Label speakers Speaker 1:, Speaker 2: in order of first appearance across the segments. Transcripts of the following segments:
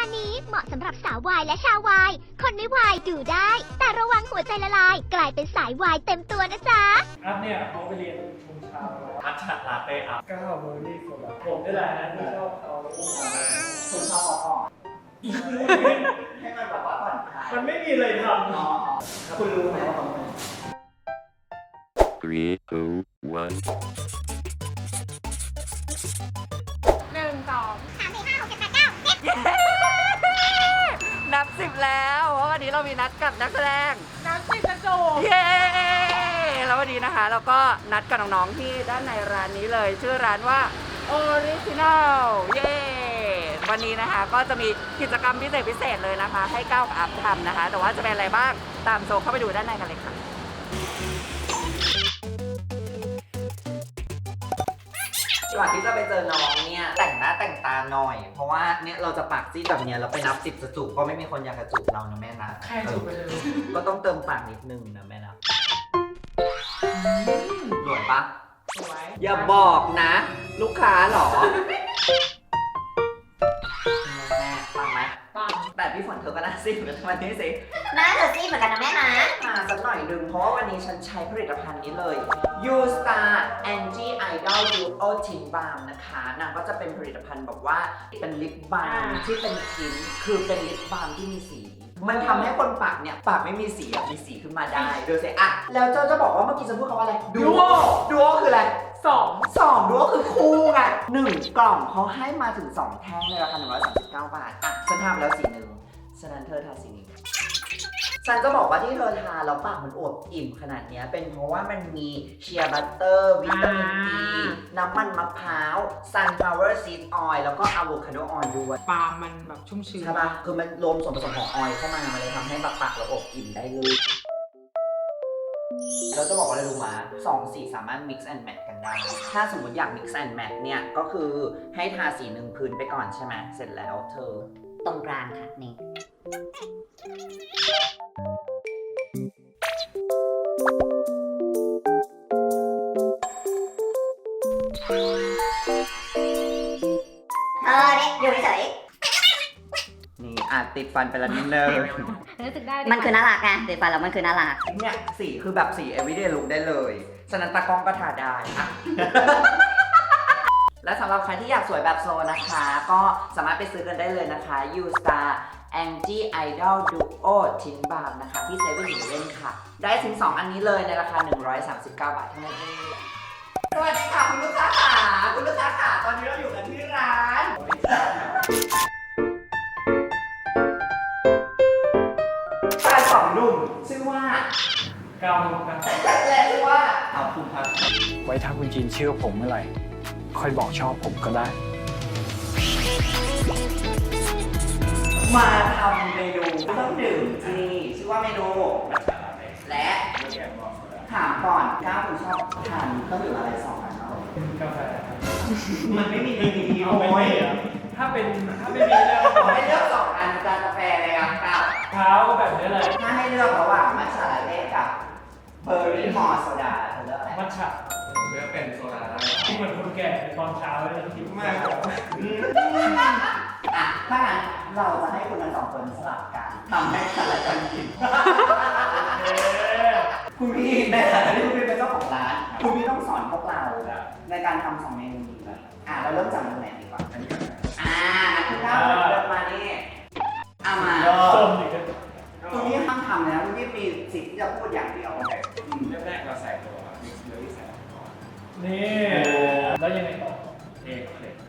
Speaker 1: การนี้เหมาะสำหรับสาววายและชาววายคนไม่วายดูได้ แต่ระวังหัวใจละลาย กลายเป็นสายวายเต็มตัวนะจ๊ะ
Speaker 2: อัพเนี่ยเขาไปเรียนชุมเช้าแล้ว
Speaker 3: มัทฉะลาเต้อัพ
Speaker 2: ก้าวเบอร์รี่โซดาผมนี่แหละนะที่ชอบเขา
Speaker 4: คุณชอบอ่อนให้มันแบบว่าผ่อนคลาย
Speaker 2: มันไม่มีอะไรทำ
Speaker 4: อ๋อคุณรู้ไหมว่าเขาเป็น
Speaker 5: 3, 2, 1.
Speaker 6: นับ10แล้วเพราะวันนี้เรามีนัดกับนักแสดงนับ10กระจูเย้แล้ววันนี้นะคะเราก็นัดกับน้องๆที่ด้านในร้านนี้เลยชื่อร้านว่า Original เย้วันนี้นะคะก็จะมีกิจกรรมพิเศษเลยนะคะ ให้ก้าวกับอัพทำนะคะ แต่ว่าจะเป็นอะไรบ้างตามโซเข้าไปดูด้านในกันเลยค่ะ
Speaker 4: ก่อนที่จะไปเจอน้องเนี่ยแต่งหน้าแต่งตาหน่อย เพราะว่าเนี่ยเราจะปากจี้แบบเนี้ยเราไปนับ10จะจูบก็ไม่มีคนอยากจะจูบเรานะแม่นะ
Speaker 2: แค่จุดไปเลย
Speaker 4: ก็ต้องเติมปากนิดนึงนะแม่นะหลวมปะอย่าบอกนะ ลูกค้าเหรอแม่ฟังไหมฟังแต่พี่ฝนเธอก็น่าซิ่งกันวันนี้สิ
Speaker 1: หน้าเธอซีเหมือนกันนะแม่นะ
Speaker 4: มาสักหน่อยดึงเพราะว่าวันนี้ฉันใช้ผลิตภัณฑ์นี้เลย You Star Anti Idol Duo Tint Balm นะคะนางก็จะเป็นผลิตภัณฑ์แบบว่าเป็นลิปบาล์มที่เป็นทินคือเป็นลิปบาล์มที่มีสี มันทำให้คนปากเนี่ยปากไม่มีสีมีสีขึ้นมาได้ดูสิอ่ะแล้วเจ้าจะบอกว่าเมื่อกี้จะพูดคำว่าอะไร Duo คืออะไร2 Duo คือคู่ไง1 กล่องเขาให้มาถึง2แท่งในราคา139 บาทอ่ะฉันทำแล้วสีหนึ่งฉะนั้นเธอทาสีนี้ฉันจะบอกว่าที่เธอทาแล้วปากมันอวบอิ่มขนาดนี้เป็นเพราะว่ามันมีเชียร์บัตเตอร์วิตามินอีน้ำมันมะพร้าว sunflower seed oil แล้วก็อะโวคาโดออยล์ด้วย
Speaker 7: ปลามันแบบชุ่มชื้น
Speaker 4: ใช่ปะคือมันรวมส่วนผสมของออยล์เข้ามามันเลยทำให้แบบปากเราอบอิ่มได้เลยเราจะบอกว่าอะไรรู้มา2 สีสามารถ mix and match กันได้ ถ้าสมมติอยาก mix and match เนี่ยก็คือให้ทาสีหนึ่งพื้นไปก่อนใช่ไหมเสร็จแล้วเธอ
Speaker 1: ตรงกลางค่ะนี่เนี่ยอยู่เฉย
Speaker 4: นี่อาจติดฟันไปแล้วนิดนึง
Speaker 7: รู้สึกได้
Speaker 1: มันคือน่ารักไงเด็ดฟันแล้วมันคือน่ารัก
Speaker 4: เนี่ยสีคือแบบสี everyday look ได้เลย ฉะนั้นตากล้องก็ทาได้อะ และสำหรับใครที่อยากสวยแบบโซนะคะ ก็สามารถไปซื้อกันได้เลยนะคะ You Star Anti Idol Duo Tint Balm นะคะที่7 11ค่ะ ได้ถึง 2 อันนี้เลยในราคา 139 บาทเท่านั้นเองสวัสดีค่ะคุณลูกค้าค่ะคุณลูกค้าค่ะตอนนี้เราอยู่กันที่ร้านชายสองหนุ่มชื่อว่า
Speaker 2: ก้าวกัน
Speaker 4: และชื่อว่าเอาคุณครับ
Speaker 8: ไว้ถ้าคุณจีนเชื่อผมเมื่อไหร่ ค่อยบอกชอบผมก็ได้
Speaker 4: มาทำเมนูเครื่องดื่มที่นี่ชื่อว่าเมนูและถามก่อนก้าวคุณชอบทานเครื่องดื่มอะไรสองอันเนาะ
Speaker 2: กาแฟครับ
Speaker 4: มันไม่มีดี
Speaker 2: เอาไม่
Speaker 4: โอ้ย
Speaker 2: มีเหรอถ้าไม่มีเรื่อง
Speaker 4: ขอให้เลือกสองอันจานกาแฟเลยครับก้าว
Speaker 2: เท้าก็แบบนี้เลย
Speaker 4: ถ้าให้เลือกระหว่างมัทฉะลาเต้กับเบอร์รี่มอร์โซดาเธอเลือกอะไร
Speaker 2: มัทฉะ
Speaker 3: เลือกเป็นโซดาได้
Speaker 2: ที่เหมือนคนแก่ในตอนเช้าเลยหิวมาก
Speaker 4: อ่ะถ้างั้นเราจะให้คุณทั้งสองคนสลับกันทำให้สลับกันกิน คุณพี่ในฐานะที่คุณพี่เป็นเจ้าของร้าน คุณพี่ต้องสอนพวกเราในการทำ2 เมนูนี้เลยเราเริ่มจากเมนูไหนดีกว่าคุณก้าวเดินมานี่เอามา
Speaker 2: ส้มอีกแล้ว
Speaker 4: คุณพี่ห้ามทำเลยนะคุณพี่มีสิทธิ์ที่จะพูดอย่างเดียว
Speaker 3: เริ่มแรกเราใส่ตัวมิกซ์เบอร์รี่ใส่ก่อน
Speaker 2: นี่แล้วยังไงต่อ
Speaker 3: เอกเคล็ด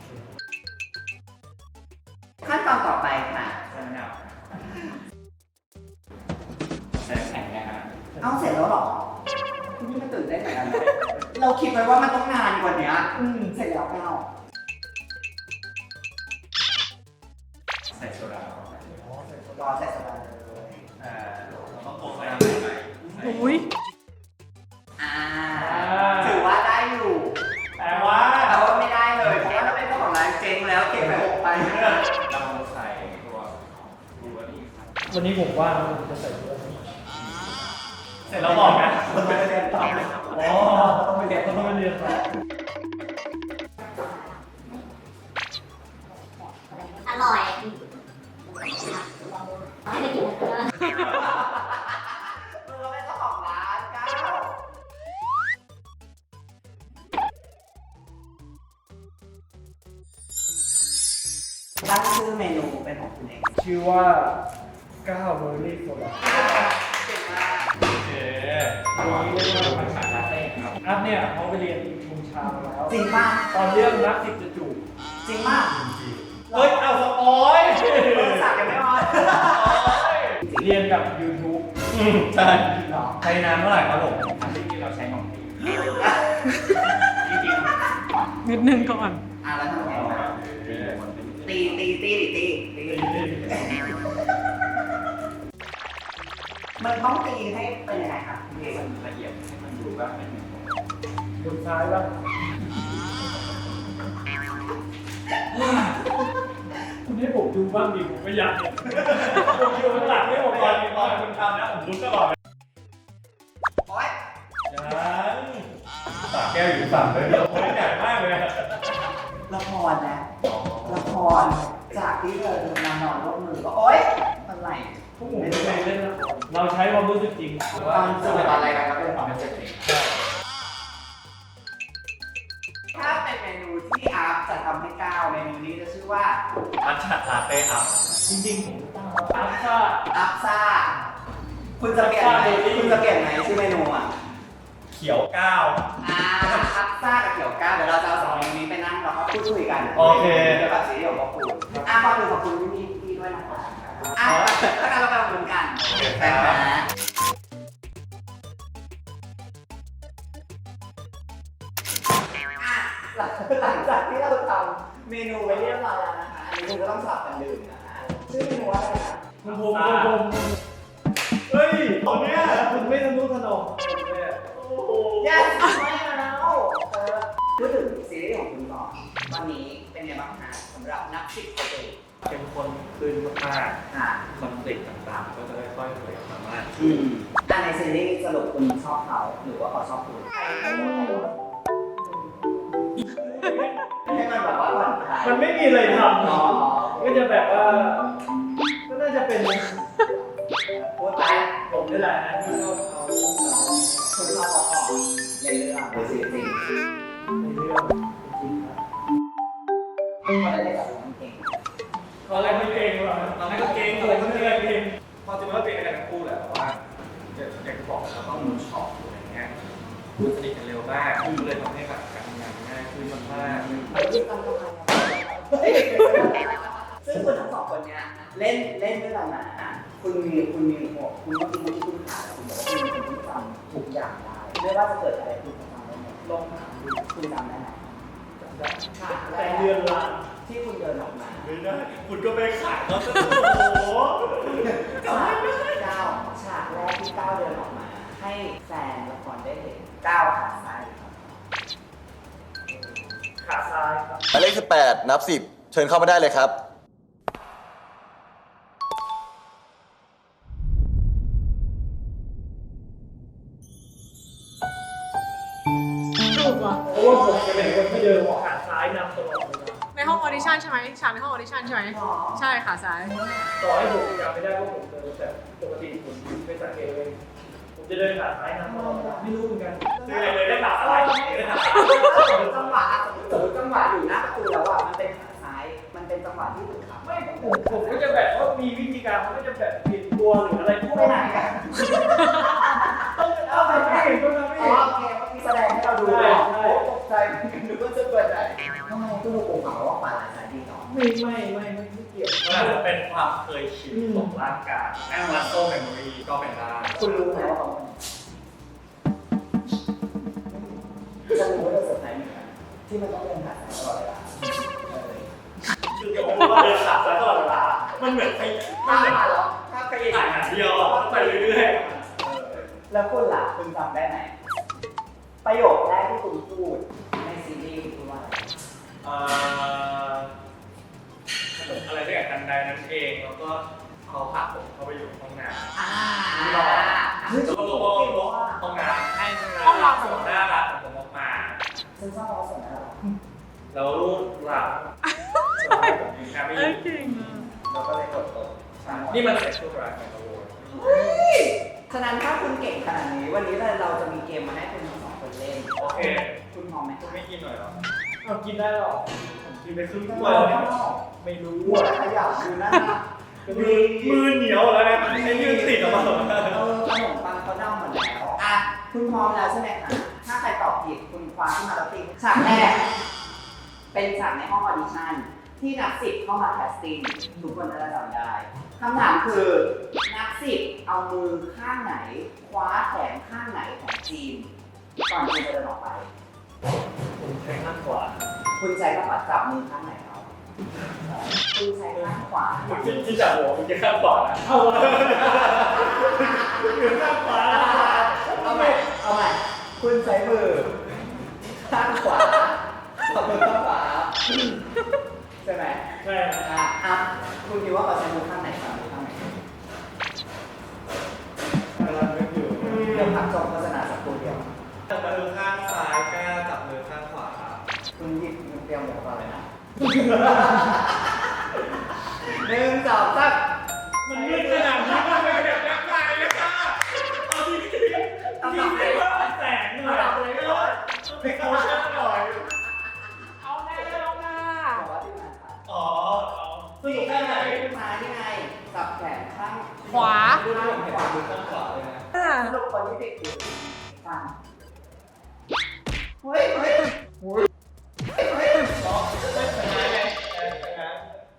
Speaker 4: ขั้นตอนต่อไปค่ะ
Speaker 3: ใส่มะนาวใส่น้ำแข็งนะฮะ
Speaker 4: เอาเสร็จแล้วเหรอคุณพี่ไม่ตื่นเต้นเหมือนกันเลยเราคิดไว้ว่ามันต้องนานกว่านี้เสร็จแล้วก้าว
Speaker 3: ใส่โซดาร
Speaker 4: อใส่โซดาเลย
Speaker 3: เราต้องโปะใส่น้ำแข็งไป
Speaker 7: อุ้ย
Speaker 4: ถือว่าได้อยู่
Speaker 2: แต่ว่า
Speaker 4: แต่ว่าไม่ได้เลยเพราะว่าเราเป็นเจ้าของร้านเจ๊งแล้วเก็บไป6 ไป
Speaker 3: เราใส่ตัวบลูเบอร์รี่ครับ
Speaker 2: วันนี้ผมว่าผมจะใส่เยอะเสร็จแล้วบอกนะ
Speaker 4: มันไปเรียนต่อ
Speaker 2: อ๋อต้องไปเรียนต่อ
Speaker 1: อร่อยไม่ได้กินนะ
Speaker 4: เราเป็นเจ้าของร้านก้าวตั้งชื่อเมนูเป็นของคุณเอง
Speaker 2: ชื่อว่าก้าวเบอร์รี่โซดา
Speaker 4: เก่งมาก
Speaker 3: โอเค
Speaker 2: อันนี้เรียกว่าผัดฉาลาเต้ครับอัพเนี่ยเขาไปเรียนชงชามาแล้ว
Speaker 4: จริงป่ะ
Speaker 2: ตอนเรื่องรักสิบจะจูบ
Speaker 4: จริงป่ะ
Speaker 2: เฮ้ยเอาสปอย
Speaker 4: สักยังไม่พอ
Speaker 2: เรียนกับ YouTube
Speaker 3: ใช่
Speaker 2: เหรอ
Speaker 3: ใช้นานเท่าไหร่ครับผมอันที่เราใช้ของดีจริง
Speaker 7: นิดนึงก่อน
Speaker 4: แล้วทำไงวะตีมันต้องตีให้เป็นยังไงครับ
Speaker 3: ให้มันละเอียดให้มันดูว่าเป็น
Speaker 2: บนซ้ายบ้างคุณให้ผมดูบ้างดิผมไม่อยากเห็นผมอยู่ข้างหลังให้ผมก่อนดีกว่า
Speaker 3: คุณทำนะผมรู้ตลอด
Speaker 4: โอ๊ย
Speaker 3: ยังสาแก้วอยู่ฝั่งเลยเราคนใหญ่มากเลย
Speaker 4: ละครนะละครจากที่เธอมานอนร่วมมือก็โอ๊ยอะไร
Speaker 2: พวกผมไม่เคยเล่นละครเราใช้ความรู้สึกจริง
Speaker 3: ตอนสมัยตอนอะไรกันครับเป็นความเป็นเจ็ดเอง
Speaker 4: ถ้าเป็นเมนูที่อาร์ตจะทำให้ก้าวเมนูนี้จะชื่อว่า
Speaker 3: มัทฉะลาเต้ครับ
Speaker 2: จริงๆผมตั้งมาอัพซ่า
Speaker 4: อัพซ่าคุณจะเปลี่ยนไหมชื่อเมนูอ่ะ
Speaker 3: เขียวก้าว
Speaker 4: อัพซ่ากับเกี่ยวก้าวเดี๋ยวเราจะเอาสองเมนูนี้ไปนั่งแล้วก็พูดคุยกัน
Speaker 3: โอเค
Speaker 4: เกี่ยวกับซีรีส์ของพวกคุณก่อนอื่นขอบคุณพี่ด้วยนะคะแล้วกันเราไปขอบคุณกันแต่หลังจากที่เราทำเมนูไว้เรียบร้อยแล้วนะคะอันนี้คุณก็ต้องสลับกันดื่มนะคะชื่อเมนูว่าอะไรนะ
Speaker 2: ผมเฮ้ยตอนเนี้ยคุณไม่ทะนุถนอมเลยอะ
Speaker 4: yes ไม่แล้วพูดถึงซีรีส์ของคุณก่อนตอนนี้เป็นไงบ้างคะสำหรับนักสิบประตู
Speaker 3: เป็นคนคืนมาก
Speaker 4: ค่ะ
Speaker 3: ๆคอนฟ lict ต่างๆ ก็จะค่อยๆเผยออกมามาก
Speaker 4: ในซีรีส์สรุปคุณชอบเขาหรือว่าเขาชอบคุณให้มันแบบว่าผ่อนคลาย
Speaker 2: มันไม่มีอะไรท
Speaker 4: อ๋อ
Speaker 2: ำก็จะแบบว่า ก็น่าจะเป็น
Speaker 4: พูดไป
Speaker 2: ผมนี่แหละที่ชอบเขา
Speaker 4: คุณชอบเขาออกในเรื่องหรือซีรีส์
Speaker 2: ในเรื่องจริงครับ
Speaker 4: เขาได้เล่นกับน้องเก่ง
Speaker 2: ตอนแรกไม่เก่งหรอก
Speaker 3: ตอนนั้นก็เก่ง
Speaker 2: ตอนแรกก็ไม่เก่ง
Speaker 3: พอจริงๆก็เก่งกันทั้งคู่แหละแต่ว่าอย่างที่บอกเราต้องมูช็อปอะไรเงี้ยพูดสนิทกันเร็วมากก็เลยทำให้แบบการทำงานง่ายขึ้นมากๆ
Speaker 4: ไปที่ตั้งกำลังซึ่งคุณทั้งสองคนเนี้ยเล่นด้วยกันมาคุณมีหัวคุณก็มีคุณขาคุณบอกว่าคุณเป็นคนที่จำทุกอย่างได้ไม่ว่าจะเกิดอะไรคุณจำได้หมดลองถามดูคุณจำได้ไหม
Speaker 2: แต่เดือนละ
Speaker 4: ที่คุณเดินออกมา
Speaker 3: ไม่ได้คุณก็ไปขายเขาซะโอ้โห
Speaker 4: ฉากก้าวฉากแรกที่ก้าวเดินออกมา ให้แฟนละครได้เห็นก้าวขาซ้ายครับ
Speaker 2: ขาซ้ายครับ
Speaker 5: หมายเลข18 นับ 10 เชิญเข้ามาได้เลยครับ
Speaker 7: ถูกอ่ะ
Speaker 2: เพราะว่าผมจะเป็นคนที่เดินขาซ้ายนำตลอดเวลา
Speaker 7: ในห้องออดิชั่นใช่ไหมฉากในห้องออดิชั่นใช่ไหมใช่ขาซ้าย
Speaker 2: ต่อให้ผมจำไม่ได้ว่าผมเดินแต่ปกติผมไม่สังเกตเลยผมจะเดินขาซ้ายนำตลอดเวลาไม่รู้เหมือนกัน
Speaker 3: ซื้ออะไรเลยได้ขาอะไรได้ขา
Speaker 4: จังหวะอยู่หน้าประตูแล้วอ่ะมันเป็นขาซ้าย มันเป็นจังหวะที่ถูกขับ
Speaker 2: ไม่ผมก็จะแบบว่ามีวิธีการเขาก็จะแบบเปลี่ยนตัวหรืออะไรพวก
Speaker 4: ไป
Speaker 2: นั้น
Speaker 4: ไหนกัน
Speaker 2: เอาไปไม่เห็นก็ทำไม่
Speaker 4: อ๋อ
Speaker 2: เห็น
Speaker 4: โอเคเมื่อกี้แสดงให้เราดูเลยตกใจนึกว่าจะเกิดอะไรทำไมตู้ลูกโป่งเขาว่าขวาหลายสายดีเนาะ
Speaker 2: ไม่เกี่ยว
Speaker 3: มันอาจจะเป็นความเคยชินของร่างกายแอนมาโซเมมโมรีก็เป็นได้
Speaker 4: คุณรู้ไหมว่าเขาจะรู้ว่าจะเซอร์ไพรส์เหมือนกันที่มันต้องเดินผ่านตลอดเวลา
Speaker 3: คือจะบอกว่าเดินขาซ้ายตลอดเวลามันเหมือนไป
Speaker 4: ถ้ามาแล้วถ้าไปอีก
Speaker 3: ถ่ายหนังเดียวอ่ะไปเรื่อย
Speaker 4: แล้วคุณล่ะคุณจำได้ไหมประโยคแรกที่คุณพูดในซีรีส์คุณพูดว่า
Speaker 3: อะไรสักอย่างกันใดนั้นเองแล้วก็เขาผลักผมเข้าไปอยู่ห้องน้ำ แล้วก็ลงห้องน้ำให้ห้องน้ำผมน่ารักของผมออกมา
Speaker 4: ฉันชอบเราส่งนะ
Speaker 3: แล้วรูปหลังผมแค่ไม่อยู่
Speaker 7: เก่งอ่ะ
Speaker 3: แ
Speaker 4: เราก็เลยกดตก
Speaker 3: นี่มันเซ็ตชั่วร้ายของกระโวย
Speaker 4: ฉะนั้นถ้าคุณเก่งขนาดนี้วันนี้เราจะมีเกมมาให้คุณทั้งสองคนเล่น
Speaker 3: โอเค
Speaker 4: คุณพร้อมไหม
Speaker 3: คุณไม่กินหน่อยหรอ
Speaker 2: เอากินได้หรอผมกินไปครึ่งถ้
Speaker 4: หั
Speaker 2: ว
Speaker 4: วย
Speaker 2: เลยไม่รู้
Speaker 4: หัวขยับคือนั่นนะ
Speaker 3: มือเหนียวแล้วนะไอ้ยืนติดออกมา
Speaker 4: ขนมปังเขาดำหมดแล้วอ่ะคุณพร้อมแล้วใช่ไหมคะถ้าใครตอบผิดคุณคว้าขึ้นมาแล้วตีฉากแรกเป็นฉากในห้องออดิชั่นที่นักสิบเข้ามาแคสติ้งทุกคนจะจำได้คำถามคือนักสิบเอามือข้างไหนคว้าแขนข้างไหนของจีนก่อนที่จะเดินออกไป
Speaker 2: ผมใช้ข้างขวา
Speaker 4: คุณใช้ข้างขวาจับมือข้างไหนเขาคุณใช้ข้างขวา
Speaker 3: ที่จับหัวมันจะข้างขวานะ
Speaker 2: เอาเลยข้างขวา
Speaker 4: เอาใหม่เอาใหม่คุณใช้มือข้างขวาจับมือข้างขวาใช่ไหม
Speaker 2: ใช่
Speaker 4: อ่ะคุณคิดว่าเขาใช้มือข้างไหนครับมือข้างไหน
Speaker 2: กำลังนึกอยู่
Speaker 4: เดี๋ยวพักชมโฆษณาสักครู่เดียว
Speaker 3: จับมือข้างซ้ายกล้าจับมือข้างขวา
Speaker 4: คุณหยิบมือเตรียมหมวกมาเลยนะหนึ่งสองสาม
Speaker 3: มันมืดขนาดนี้มันเป็นแบบนักไงเลยค่ะเอาจริงจริงจริงว่าแสงหน่อยเป็นโคชั่นหน่อย
Speaker 6: เอาแน่เอาหน้า
Speaker 4: บอกว่าที่ไหนครับ
Speaker 3: อ๋อ
Speaker 4: สรุปได้ไหนมาที่ไงจับแขนข้าง
Speaker 7: ขวา
Speaker 3: ดูนะผมเห็นมือข้างขวาเลยนะ
Speaker 4: สรุปคนที่ติดอยู่ฟังเฮ้ยเฮ้ยเฮ้ยเฮ้ย
Speaker 3: เป็นไงไงเป็นไง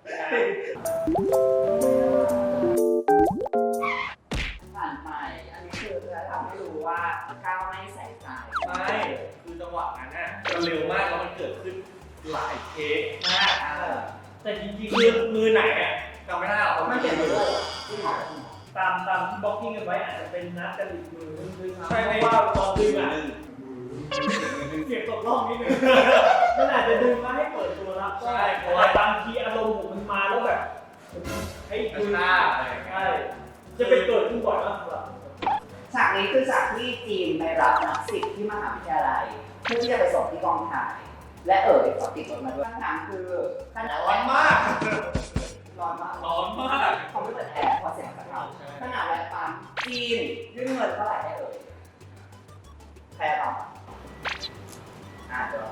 Speaker 4: ผ่านไปอันนี้คือจะทำให้รู้ว่าก้าวไม่ใส่ใจ
Speaker 3: ไม่คือจังหวะนั้นน่ะมันเร็วมากแล้วมันเกิดขึ้นหลายเทคมาก
Speaker 2: แต่จริง
Speaker 3: คือมือไหนอ่ะจำไม่ได้หรอก
Speaker 4: ไม่เห็นเลยจริงเหรอ
Speaker 2: ๆตามที่บล็อกกิ้งกันไว้อาจจะเป็นนัดกันอีกมือนึงด้วยซ้ำเพราะว่าตอนดึงอ่ะเสียงตกล่องนิดนึงมันอาจจะดึงมาให้เปิดตัวรับก็ได้เพราะว่าบางทีอารมณ์ผมมันมาแล้วแบบให้
Speaker 3: กระ
Speaker 2: ดึง
Speaker 3: ชากอะไร
Speaker 2: ใช่จะเป็นเกิดขึ้นบ่อยมากครับ
Speaker 4: ฉากนี้คือฉากที่จีนไปรับนักศิษย์ที่มหาวิทยาลัยเพื่อที่จะไปส่งที่กองถ่าย และขอติดรถมาด้วยคำถามคือขนาด
Speaker 3: ร้อนมาก
Speaker 4: ร้อนมาก
Speaker 3: ร้อนมาก
Speaker 4: เขาไม่เปิดแอร์พอเสียงสักหน่อยขนาดแวะปั๊มจีนยื่นเงินเท่าไหร่ให้ใครตอบเดี๋ยว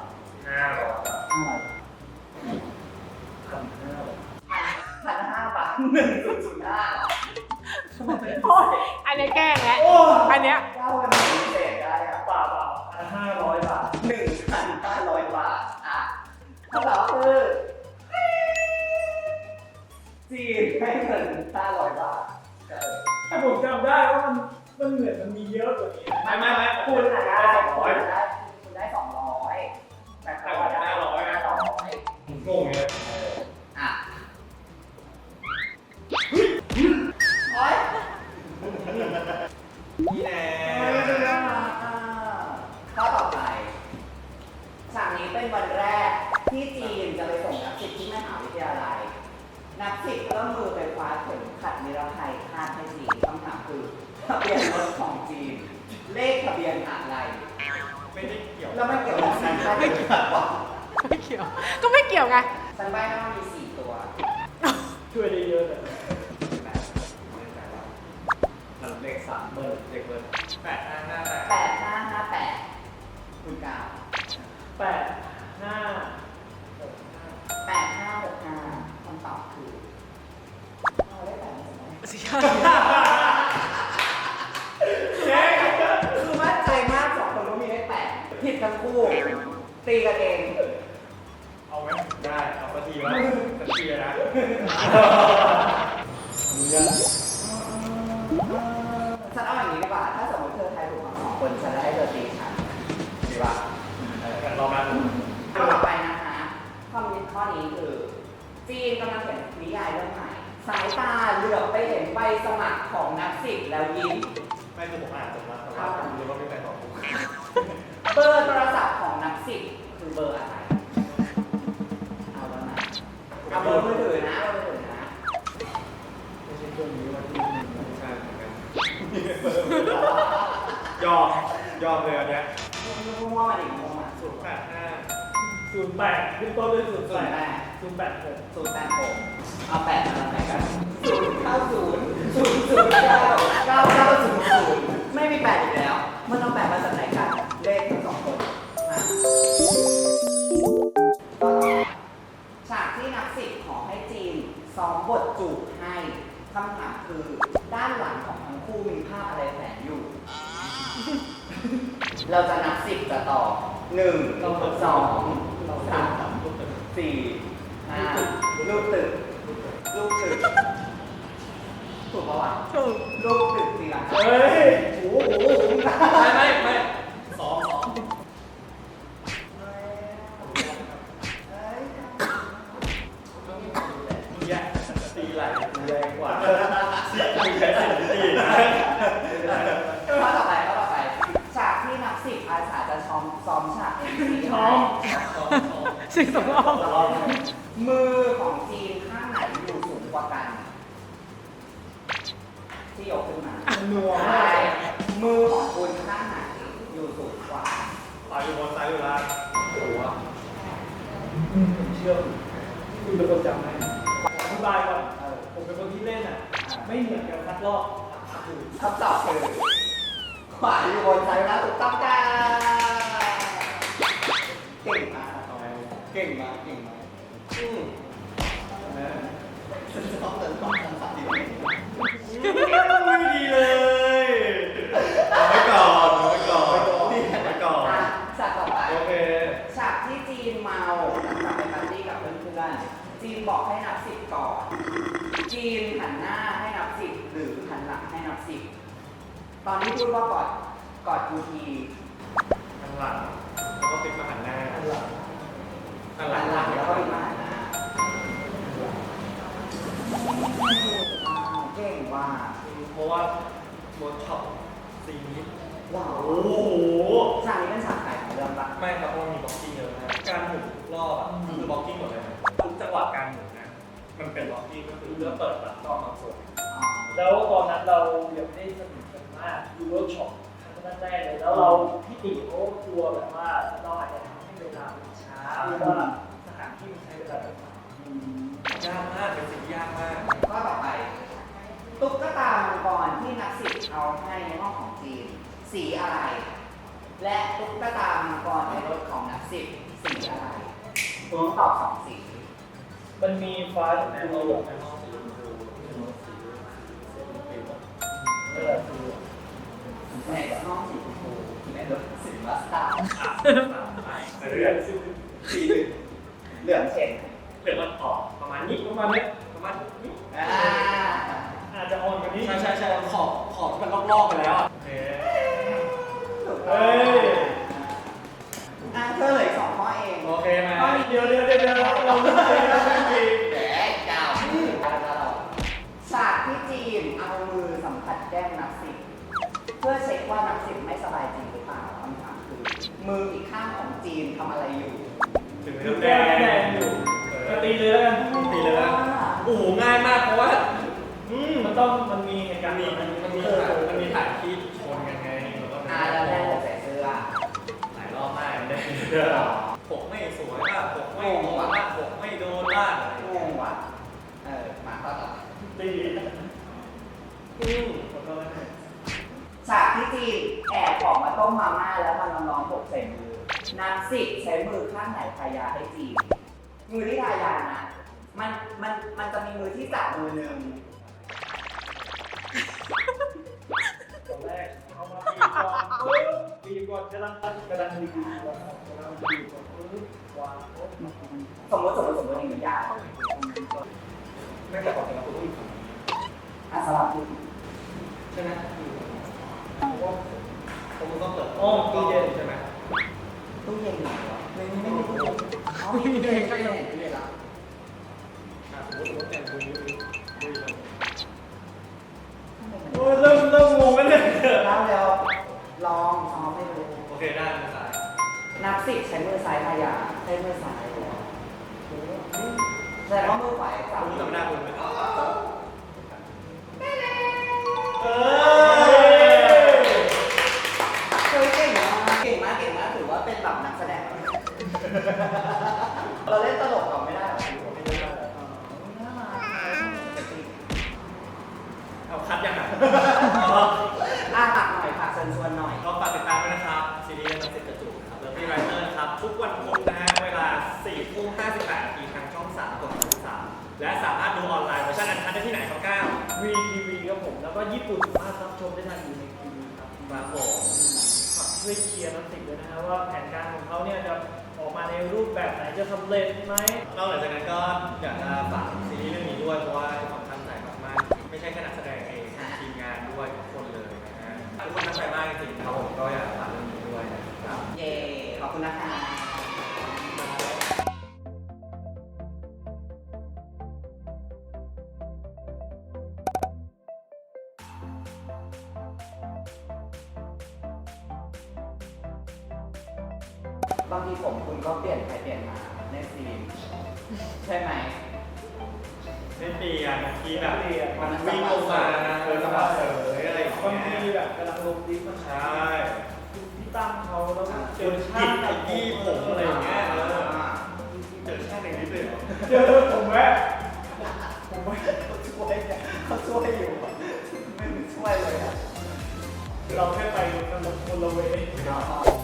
Speaker 4: 1,500 บาท1,005
Speaker 7: โอ้ยอันนี้แกล้งแล้วอันเนี้ย
Speaker 4: เก้าวันนี้พิเศษได้อะ
Speaker 2: เปล่า500 บาท
Speaker 4: 1,500 บาทคำตอบคือจีนให้เงิน500 บาท
Speaker 2: แต่ผมจำได้ว่ามันเหมือนมันมีเยอะกว่านี้
Speaker 3: ไม่
Speaker 4: คุ
Speaker 3: คุณ ณ
Speaker 4: ได้
Speaker 3: ได้200
Speaker 4: คุณได้200แต่เขาได้500
Speaker 3: งงเลย
Speaker 4: อ่ะโอ๊ย
Speaker 3: นี่แน่
Speaker 4: ข้อต่อไปฉากนี้เป็นวันแรกที่จีนจะไปส่งนักศิษย์ที่มหาวิทยาลัย นักศิษย์ก็มือไปคว้าเข็มขัดนิรภัยคาดให้จีนคำถามคือทะเบียนรถของจีน เลขทะเบียนอะไร
Speaker 3: ไม่ได้เกี่ยว
Speaker 4: แล้วมันเกี่ยวกับฉันใช่ไหม
Speaker 7: ไม่เกี่ยว ก็ไม่เกี่ยวไง
Speaker 4: ฉันใบ้ให้ว่ามี4 ตัว
Speaker 2: ช่วยได้เยอะแต่
Speaker 3: เลข3เบอร์เลขเบอร์8558
Speaker 4: 8558คุณกาว
Speaker 2: 8565
Speaker 4: 8565คำตอบคือเอาได้8ไหม คือมั่นใจมาก2 คนว่ามีเลข8ผิดทั้งคู่ ตีกันเอง
Speaker 3: เอาไหมได้เอาสักทีวะสักทีนะ
Speaker 4: ฉันเอาอย่างนี้ดีกว่า ถ้าสมมติเธอทายถูกทั้ง2 คนฉันจะให้เธอตีฉันดีป่ะ
Speaker 3: รอมา
Speaker 4: ข้อต่อไปนะคะข้อนี้คือ จีนกำลังเขียนนิยายเรื่องใหม่ สายตาเหลือบไปเห็นใบสมัครของนักศิษย์แล้วยิ้ม
Speaker 3: ไม่คือผมอ่านจบแล้วแต่ว่าผมรู้ว่าไม่ใครตอบผม
Speaker 4: เบอร์โทรศัพท์ของนักศิษย์คือเบอร์อะไร เอาแล้วนะเอาเบอร์มือถือนะเบอร์มือถือนะ
Speaker 2: ไม่ใช่เครื่องนี้วันที่
Speaker 3: ใช่เหมือนกันยอมเลยอันเนี้ย
Speaker 4: มั่วมาดิมั่วมา
Speaker 3: 085
Speaker 2: 08ขึ้นต้นด้วย
Speaker 4: 08
Speaker 2: 08 086
Speaker 4: 086เอา8มาแล้วไหนกันไม่มี8อีกแล้ว มันเอา8มาจากไหนกันเลขทั้งสองคนมาฉากที่นักสิบขอให้จีนซ้อมบทจูบให้คำถามคือด้านหลังของทั้งคู่มีภาพอะไรแฝงอยู่ เราจะนับ10จะต่อ1 2 3 4 5ลูกตึกถูกปะวะถูกลูกตึกสิล่ะ
Speaker 2: เฮ้ย
Speaker 4: โอ้โห
Speaker 3: ไม่สอง
Speaker 2: แย่ตีไหลกูแรงกว่าสิกูแค่10 ตีนะ
Speaker 4: ข้อต่อไปฉากที่นับ10อาสาจะซ้อมฉากเอ็นซี
Speaker 2: ช้อม
Speaker 7: สิ่งสำคัญ
Speaker 4: มือของจีนข้างไหนอยู่สูงกว่ากัน ที่ยกขึ้นมา
Speaker 2: นัว
Speaker 4: ใช่มือของคุณข้างไหนอยู่สูงกว่า
Speaker 3: ซ้ายอยู่บนซ้ายอยู่ล่างหัว
Speaker 2: เชื่อคุณเป็นคนจำไหมอธิบายก่อนผมเป็นคนที่เล่นอ่ะ ไม่เหมือนกันสักรอบ
Speaker 4: คำตอบคือขวาอยู่บนซ้ายอยู่ล่างถูกต้องจ้าเก่งมากเก่งมากฉันจะต้องเติมความทันสมัย
Speaker 3: ไม่ดีเลยเอาไว้ก่อน
Speaker 4: ฉากต่อไป
Speaker 3: โอเค
Speaker 4: ฉากที่จีนเมาหลังจากไปปาร์ตี้กับเพื่อนๆจีนบอกให้นับ10ก่อน จีนหันหน้าให้นับ10หรือหันหลังให้นับ10ตอนนี้พูดว่ากอดกูที
Speaker 3: ข้างหลังแล้วก็ติ๊กมาหันหน้าข้างหลัง
Speaker 4: หันหลังแล้วก็อีกมาหันหน้าเก่งว่า
Speaker 3: เพราะว่าเวิร์กช็อปซีนนี้
Speaker 4: ว้าว
Speaker 3: โอ้โห
Speaker 4: ฉากนี้เป็นฉากไหนของเรื่องปะ
Speaker 3: ไม่ครับเพราะว่ามีบล็อกกิ้งเยอะนะการหมุนรอบอ่ะคือบล็อกกิ้งหมดเลยนะทุกจังหวะการหมุนนะมันเป็นบล็อกกิ้งก็คือเพื่อเปิดรับรอบมาส่วน
Speaker 2: แล้วตอนนั้นเรายังไม่ได้สนิทกันมากดูเวิร์กช็อปครั้งแรกเลยแล้วเราพี่ติเขากลัวแบบว่าเราอาจจะทำให้เวลามันช้าหรือว่าสถานที่มันใช้เวลาแบบนาน
Speaker 3: ยากมากเป็นสิ่งที่ยากมาก
Speaker 4: ข้อต่อไปตุ๊กตามังกรที่นักศิษย์เอาให้ในห้องของจีนสีอะไร และตุ๊กตามังกรในรถของนักศิษย์สีอะไรคุณตอบ2 สี
Speaker 2: มันมีฟ้ากับ
Speaker 3: ใน
Speaker 2: แม่
Speaker 3: ห้
Speaker 2: โล
Speaker 3: อง
Speaker 2: ก
Speaker 3: ในห้องสีชมพู
Speaker 2: นั่นแหละคือ
Speaker 4: ในห้องสีชมพูในรถสีมัสตาร์ด
Speaker 3: เรื่อย
Speaker 4: สีเหลืองเช่น
Speaker 3: เหลือมันออกประมาณนี้ประมาณนี้
Speaker 2: อาจจะอ่อนกว่านี้
Speaker 3: ใช่ขอบที่มันลอกๆไปแล้วอ่ะโอเค
Speaker 2: เฮ้ย
Speaker 4: เธอเหลืออีก2 ข้อเอง
Speaker 3: โอเคไหม
Speaker 2: เดี๋ยวเราไม่เคยนะจริง
Speaker 4: แดกเจ้าฉากที่จีนเอามือสัมผัสแก้มนักศิษย์เพื่อเช็คว่านักศิษย์ไม่สบายจริงหรือเปล่าคำถามคือมืออีกข้างของจีนทำอะไรอยู่
Speaker 3: ถึง
Speaker 2: ดู
Speaker 3: แด
Speaker 2: แด
Speaker 3: ง
Speaker 2: งอยู่ก็ตีเลยแล้วกัน
Speaker 3: ตีเลยนะโอ้โหง่ายมากเพราะว่า
Speaker 2: มันมีเหตุการณ์
Speaker 3: มันมีถ่ายที่ชนกันไงแล้วก็
Speaker 4: แล้วแม่จะใส่เสื้อ
Speaker 3: หลายรอบมากเลยผมไม่สวยบ้างผมไม่งงบ้างผมไม่โดนบ้างอะไรอย่าง
Speaker 4: ง
Speaker 3: เงี้ย
Speaker 4: งว่ะมาข้อต่อไป
Speaker 2: ตี
Speaker 4: ฉากที่จีนแอบออกมาต้มมาม่าแล้วมันน้องๆหกใส่มือนักศิษย์ใช้มือข้างไหนทายาให้จีนมือที่ทายานะมันจะมีมือที่จับมือหนึ่ง
Speaker 2: ตอนแรกเอามาตีก่อนกำลังดีก่อนวาง
Speaker 4: สมมติอย่างนี้ยา
Speaker 3: ไม่แต่ก่อนแต่ละคนต้องมี
Speaker 4: สลับพูด
Speaker 3: ใช่ไหมเพราะว่าผมต้องเปิด
Speaker 2: ตู้เย็น
Speaker 3: ใช่ไหม
Speaker 4: ตู้เย็นเหรอไม่มีตู้เย็นอ๋อไม่มีตู้เย็นก็ยังไม่ได้ละ
Speaker 3: สมมติแต่งตัวนี้
Speaker 2: โอ้ยเริ่มงงแล้วเนี่ย
Speaker 4: แล้วลองซ้อมให้ดู
Speaker 3: โอเคได้ไม่สาย
Speaker 4: นับ10ใช้มือซ้ายทายาใช้มือซ้ายแต่ว่ามือขวาจับ
Speaker 3: คุณจำหน้าคุณไหม
Speaker 4: เก่งมากถือว่าเป็นแบบนักแสดงเราเล่นตลกก่อนไม่ได้หรอฝากหน่อยฝากเชิญชวนหน่อย
Speaker 3: ก็ฝากติดตามด้วยนะครับซีรีส์นักสิบกระจุกครับ Lovely Writer นะครับทุกวันพุธนะฮะเวลา 4:58 น.ทางช่อง 3 กด 33 และสามารถดูออนไลน์เวอร์ชันอันคัดได้ที่ไหนครับก้าว
Speaker 2: VTV ครับผม แล้วก็ญี่ปุ่นสามารถรับชมได้ทางยูในทีวีครับ
Speaker 3: ครับผม
Speaker 2: ฝากช่วยเชียร์น้ำสิบด้วยนะฮะว่าแผนการของเขาเนี่ยจะออกมาในรูปแบบไหนจะสำเร็จไหม
Speaker 3: นอกจากนั้นก็อยากจะฝากซีรีส์เรื่องนี้ด้วยเพราะว่าทุกคนตั้งใจมากๆไม่ใช่แค่นักแสดงเองทีมงานด้วยทุกคนเลยนะฮะทุกคนตั้งใจมากจริงๆครับผมก็อยากฝากเรื่องนี้ด้วยนะครับ
Speaker 4: เย้ขอบคุณนะคะ บางทีผมคุณก็เปลี่ยนไปเปลี่ยนมาในซีนใช่ไหม
Speaker 3: ไม่เปลี่ยนทีแบบมันวิ่งลงมาจังหวะเสยอะไรอย่าง
Speaker 2: บาง
Speaker 3: เงี้
Speaker 2: ที
Speaker 3: ย
Speaker 2: แบบกำลังลงลิฟต์มัน
Speaker 3: ใช่
Speaker 2: พี่ตั้มเขาแล้วเจ
Speaker 3: เจ
Speaker 2: อ
Speaker 3: อ
Speaker 2: ช่า
Speaker 3: ช่าง
Speaker 2: ง
Speaker 3: ไอ้ที่ผมอะไรอย่างเงี้ยเจอช่างในนี้เลย
Speaker 2: เจอผมแม่
Speaker 4: ผมไม่เขาช่วยเนี่ยเขาช่วยอยู่อะไม่ช่วยเลยอ่ะ
Speaker 2: เราแค่ไปกันคนละเวย์
Speaker 4: อ๋อ